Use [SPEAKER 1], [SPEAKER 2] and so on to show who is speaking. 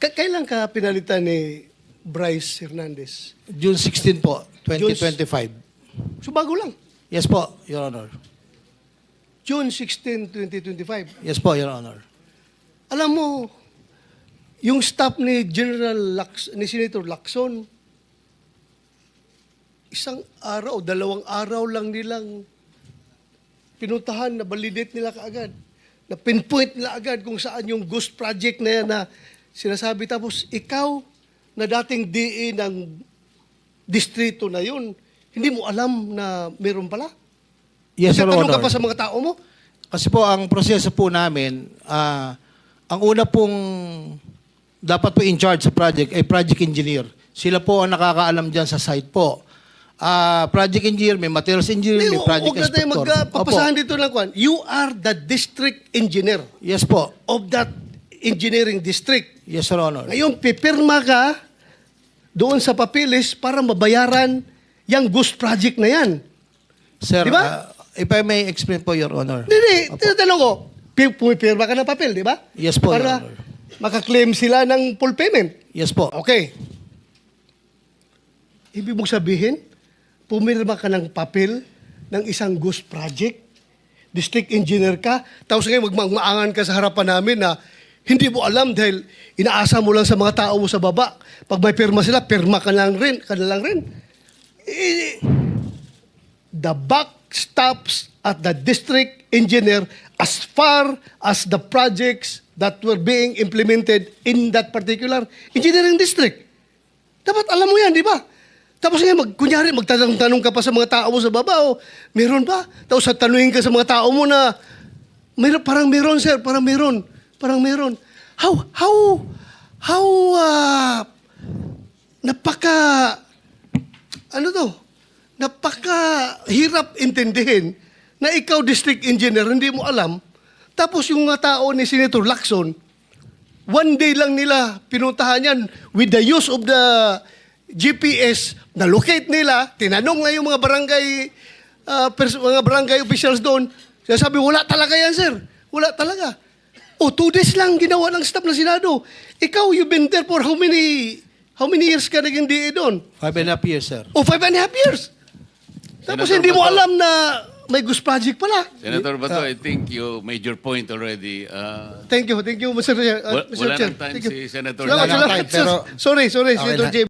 [SPEAKER 1] Kailan ka pinalitan ni Bryce Hernandez?
[SPEAKER 2] June 16 po, 2025.
[SPEAKER 1] So bago lang.
[SPEAKER 2] Yes po, Your Honor.
[SPEAKER 1] June 16, 2025.
[SPEAKER 2] Yes po, Your Honor.
[SPEAKER 1] Alam mo, yung staff ni ni Senator Lacson, isang araw, 2 araw lang nilang pinuntahan, na validate nila kaagad. Na pinpoint nila agad kung saan yung ghost project na yan na sinasabi. Tapos ikaw, na dating DE ng distrito na yun, hindi mo alam na meron pala?
[SPEAKER 2] Yes, Your
[SPEAKER 1] Nagtatanong
[SPEAKER 2] Honor.
[SPEAKER 1] ka pa sa mga tao mo?
[SPEAKER 2] Kasi po, ang proseso po namin, ang una pong dapat po in charge sa project ay project engineer. Sila po ang nakakaalam dyan sa site po. Project engineer, may materials engineer, may project
[SPEAKER 1] Huwag na tayo
[SPEAKER 2] inspector.
[SPEAKER 1] magpapasahan dito ng kwan. You are the district engineer
[SPEAKER 2] Yes po.
[SPEAKER 1] of that engineering district.
[SPEAKER 2] Yes, Your Honor.
[SPEAKER 1] Ngayon, pipirma ka doon sa papilis para mabayaran yung ghost project na yan.
[SPEAKER 2] Sir,
[SPEAKER 1] Di ba?
[SPEAKER 2] if I may explain po, Your Honor.
[SPEAKER 1] Hindi,
[SPEAKER 2] Opo.
[SPEAKER 1] tinatanong ko, pumipirma ka ng papel, di ba?
[SPEAKER 2] Yes po,
[SPEAKER 1] Para
[SPEAKER 2] Your Honor.
[SPEAKER 1] makaklaim sila ng full payment.
[SPEAKER 2] Yes po.
[SPEAKER 1] Okay. Ibig mong sabihin, pumirma ka ng papel ng isang ghost project, district engineer ka, tapos ngayon magmaangan ka sa harapan namin na hindi mo alam dahil inaasa mo lang sa mga tao mo sa baba. Pag may pirma sila, pirma ka lang rin. The buck stops at the district engineer as far as the projects that were being implemented in that particular engineering district. Dapat alam mo yan, di ba? Tapos ngayon, kunyari, magtatanong ka pa sa mga tao mo sa baba, o, meron ba? Tapos tanungin ka sa mga tao mo na, parang meron, sir, parang meron. Napaka hirap intindihin na ikaw, district engineer, hindi mo alam. Tapos yung mga tao ni Senator Lacson, one day lang nila pinuntahan yan with the use of the GPS, na-locate nila, tinanong na yung mga barangay officials doon. Sabi, wala talaga yan, sir. Wala talaga. 2 days lang ginawa ng staff ng Senado. Ikaw, you've been there for how many years ka naging DA doon?
[SPEAKER 2] 5.5 years, sir.
[SPEAKER 1] 5.5 years. Tapos
[SPEAKER 3] Senator
[SPEAKER 1] hindi mo
[SPEAKER 3] Bato.
[SPEAKER 1] alam na may ghost project pala.
[SPEAKER 3] Senator Bato, I think you made your point already.
[SPEAKER 1] Thank you, Mr. Chair.
[SPEAKER 3] Wala
[SPEAKER 1] Mr. Chair.
[SPEAKER 3] nang time
[SPEAKER 1] Thank you.
[SPEAKER 3] si Senator.
[SPEAKER 1] Salamat,
[SPEAKER 2] Wala nang
[SPEAKER 1] salamat.
[SPEAKER 2] time, pero-
[SPEAKER 1] Sorry,
[SPEAKER 2] Okay
[SPEAKER 1] Senator
[SPEAKER 2] na.
[SPEAKER 1] J.